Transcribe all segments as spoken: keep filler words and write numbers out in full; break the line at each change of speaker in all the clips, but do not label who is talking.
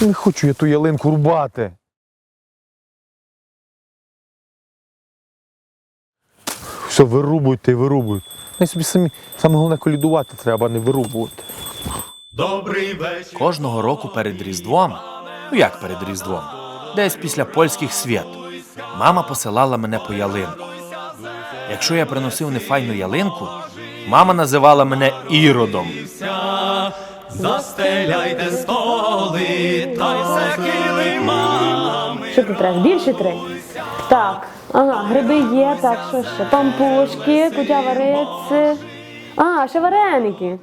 Не хочу я ту ялинку рубати. Все, вирубуйте і вирубуйте. Най собі самі, саме головне колядувати треба, а не вирубувати.
Добрий вечір.
Кожного року перед Різдвом, ну як перед Різдвом, десь після польських свят, мама посилала мене по ялинку. Якщо я приносив нефайну ялинку, мама називала мене Іродом.
Застеляйте столи, та й все килимами.
Що тут треба? Більше три? Так. Ага, гриби є, так, що ще? Пампушки, кутя вариться. А, ще вареники.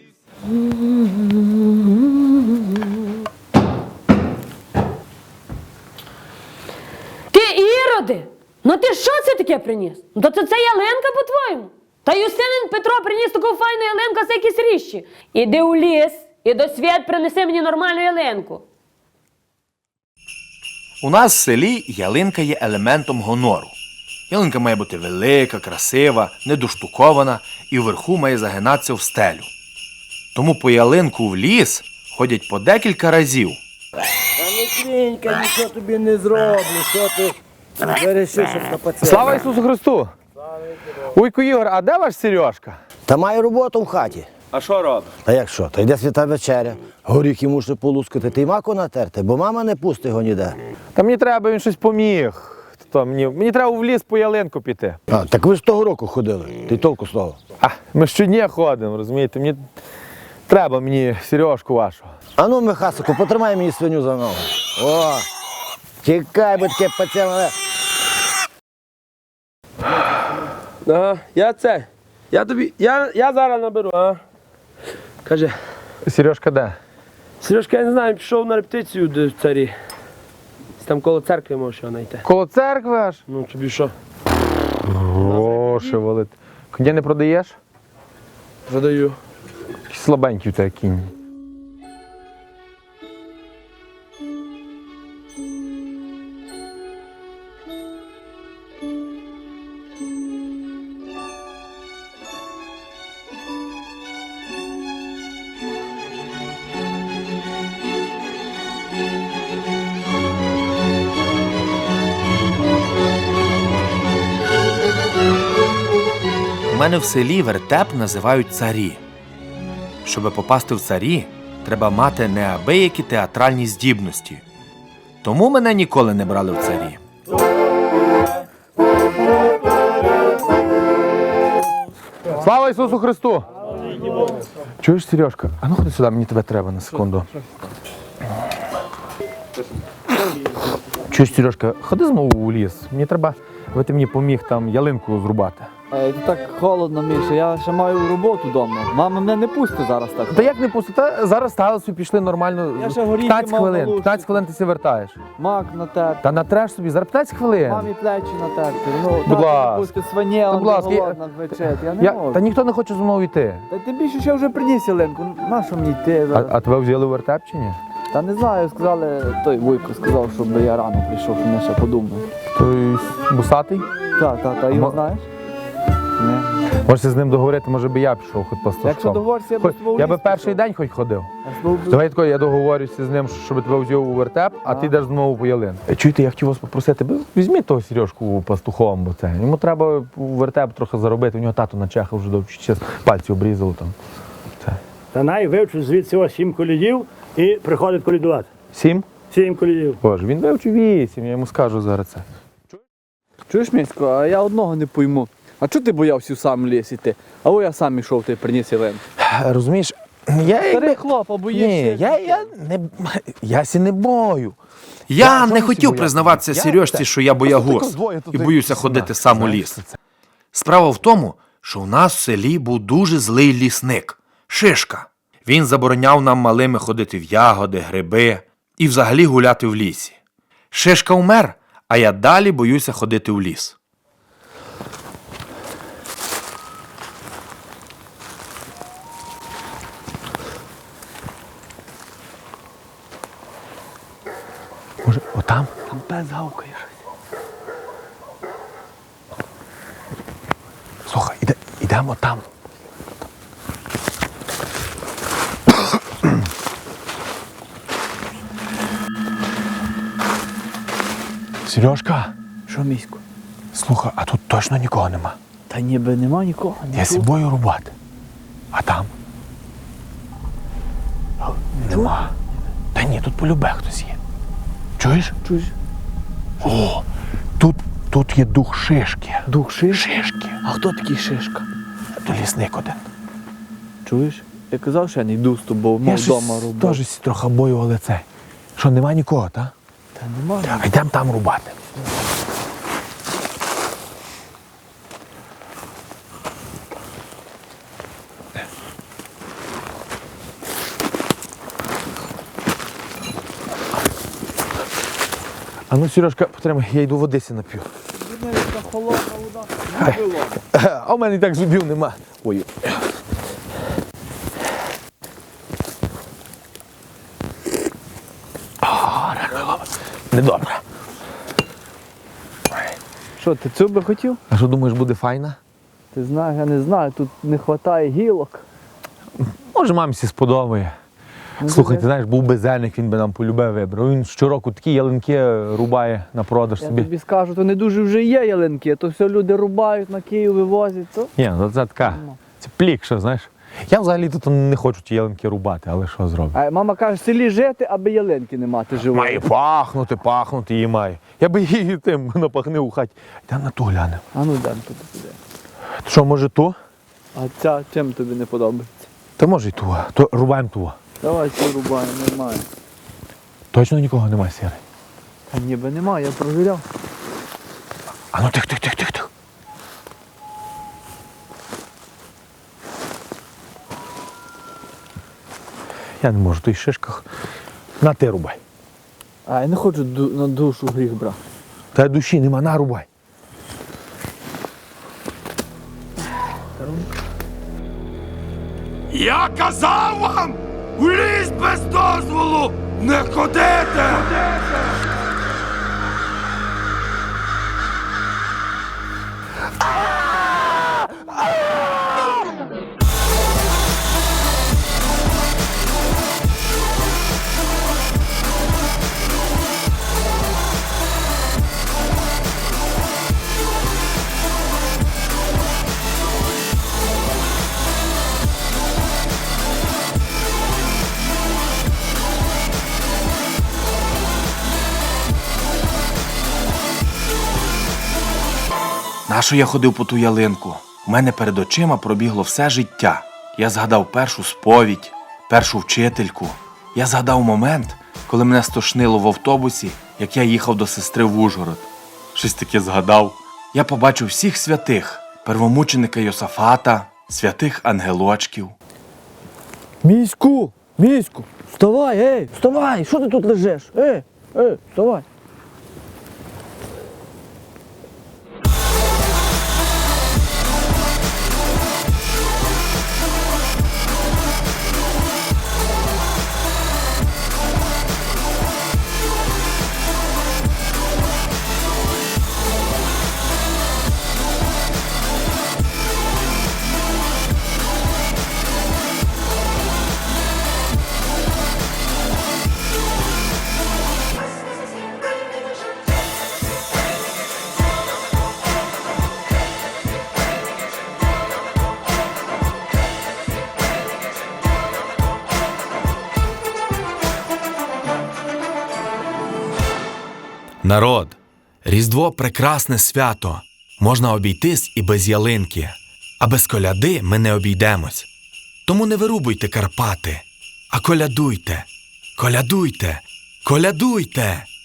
Ти, Іроди! Ну ти що це таке приніс? Ну то це, це ялинка, по-твоєму? Та Юстинин Петро приніс таку файну ялинку, це якісь ріщі. Іди у ліс і до свят принеси мені нормальну ялинку.
У нас в селі ялинка є елементом гонору. Ялинка має бути велика, красива, недоштукована і вверху має загинатися в стелю. Тому по ялинку в ліс ходять по декілька разів.
Та не крінька, нічого тобі не зроблю, що ти вирішив, щоб на пацієнта.
Слава Ісусу Христу! Уйку, Ігор, а де ваш Сережка?
Та має роботу в хаті.
А що робить?
Та як що? Та йде свята вечеря, горіхи муше полускати, ти й маку натерти, бо мама не пустить його ніде.
Та мені треба, він щось поміг. То мені, мені треба в ліс по ялинку піти.
А, так ви ж того року ходили, ти толку з того.
А, ми щодня ходимо, розумієте? Мені треба мені Сережку вашого.
А ну, Михасику, потримай мені свиню за ногу. О, тікай, бо таке пацієнт.
Ага, я це. Я тобі. Я, я зараз наберу, а? Каже,
Сережка де?
Сережка, я не знаю, пішов на репетицію до царі. Там коло церкви можеш його знайти.
Коло церкви аж?
Ну, тобі що?
Гроші валить. Коня не продаєш?
Продаю.
Який слабенький у тебе кінь.
У мене в селі вертеп називають царі. Щоби попасти в царі, треба мати неабиякі театральні здібності. Тому мене ніколи не брали в царі.
Слава Ісусу Христу! Чуєш, Сережка? А ну ходи сюди, мені тебе треба на секунду. Чуєш, Сережка, ходи знову у ліс. Мені треба, аби ти мені поміг там ялинку зрубати.
Е, Так холодно, Міша, я ще маю роботу вдома. Мама мене не пустить зараз так.
Та як не пусти? Зараз сталося, пішли нормально.
Я ще горіхи
п'ятнадцять
мав
хвилин.
галушки.
п'ятнадцять хвилин ти себе вертаєш.
Мак натерти,
Та натреш собі, зараз п'ятнадцять хвилин.
мамі плечі натерти. Ну,
Будь
тато
ласка.
не пустить свиня,
Та, будь ласка, я-
голодна вечеря. Я не
Я...
можу.
Та ніхто не хоче зі мною йти.
Та ти більше ще вже приніс ялинку. На що мені йти
А,
зараз?
а тебе взяли в вертеп чи ні?
Та не знаю, сказали, той Вуйко сказав, щоб я рано прийшов, щоб я ще подумав.
Той бусатий?
Так, так, так, його
Мо-
знаєш? Ні.
Можете з ним договорити, може би я пішов хоч по
Якщо
стажком.
договоришся, я
Хоч-
б з тобою
Я
в
би
ліс
перший
пішов.
день хоч ходив.
Я з тобою-
Давай тако, я договорюся з ним, щоб тебе взяв у вертеп, а ти йдеш знову по ялинку. Е, Чуєте, я хотів вас попросити, ви візьміть того Сережку пастухом, бо це. Йому треба у вертеп трохи заробити, у нього тато на чеха вже довчить, час пальці обрізало там. Це.
Та най вивчив звідси ось сім колідів і приходить колідувати.
Сім?
Сім колідів.
Боже, він вивчив вісім, я йому скажу зараз це.
Чуєш, Місько, а я одного не пойму. А чого ти боявся в сам ліс іти? А о я сам ішов, ти приніс ялинку.
Розумієш, я
Старий хлоп, а боїшся?
Ні, я, я не я сі не бою.
Я
Я
не
чомусь
хотів
боявся.
признаватися
Я
Сережці,
те-
що я боягуз
Просто двоє тут
і боюся
якісь,
ходити
знаєш,
сам у
знаєш,
ліс.
що це.
Справа в тому, що у нас в селі був дуже злий лісник – Шишка. Він забороняв нам малими ходити в ягоди, гриби і взагалі гуляти в лісі. Шишка умер, а я далі боюся ходити в ліс.
Може, отам?
Там пес гавкає.
Слухай, іде, ідемо там. Сережка,
Що, місько?
слухай, а тут точно нікого нема.
Та ніби нема нікого.
Я собою рубати. А там? Нема. Та ні, тут полюбе хтось є. Чуєш?
Чуєш?
О, тут, тут є дух шишки.
Дух шишки?
Шишки.
А хто такий Шишка?
То лісник один.
Чуєш? Я казав, що я не йду з тобою,
Я
мов
щось
вдома рубати.
теж сі трохи бою, але це. Що, нема нікого, та?
Та нема.
А йдемо там рубати. А ну, Сережка, потримай, я йду води сі нап'ю.
Та холодна вода. Не було.
А в мене і так зубів нема. Ой. А, реально, недобре.
Що, ти цю би хотів?
А що думаєш, буде файна?
Ти знаєш, я не знаю, тут не вистачає гілок.
Може, мамці сподобає. Слухай, ти знаєш, був безельник, він би нам полюбив вибрав. Він щороку такі ялинки рубає на продаж
Я
собі.
тобі скажу, то не дуже вже є ялинки, то все люди рубають, на Київ вивозять. То...
Ні, ну це така, це плікша, знаєш. Я взагалі тут не хочу ті ялинки рубати, але що зроблю?
А мама каже, в селі жити, аби ялинки не мати живої.
Має пахнути, пахнути її має. Я би її тим напахнив у хаті. Йдемо на ту глянемо.
А ну дай туди туди.
Що, може ту?
А ця чим тобі не подобається?
Та може й ту. То рубаємо ту.
Давай цю рубаємо, немає.
Точно нікого немає, Сірий?
Та ніби немає, я провіряв.
А ну тих, тих, тих, тих, тих. Я не можу, в тих шишках. На ти рубай.
А я не хочу ду- на душу гріх брати.
Та душі нема, на рубай.
Я казав вам, у ліс без дозволу не ходити! Нащо я ходив по ту ялинку? У мене перед очима пробігло все життя. Я згадав першу сповідь, першу вчительку. Я згадав момент, коли мене стошнило в автобусі, як я їхав до сестри в Ужгород. Щось таке згадав. Я побачив всіх святих, первомученика Йосафата, святих ангелочків.
Міську! Міську! Вставай, ей! Вставай! Що ти тут лежиш? Ей! Ей! Вставай!
Народ, Різдво – прекрасне свято. Можна обійтись і без ялинки. А без коляди ми не обійдемось. Тому не вирубуйте Карпати, а колядуйте, колядуйте, колядуйте!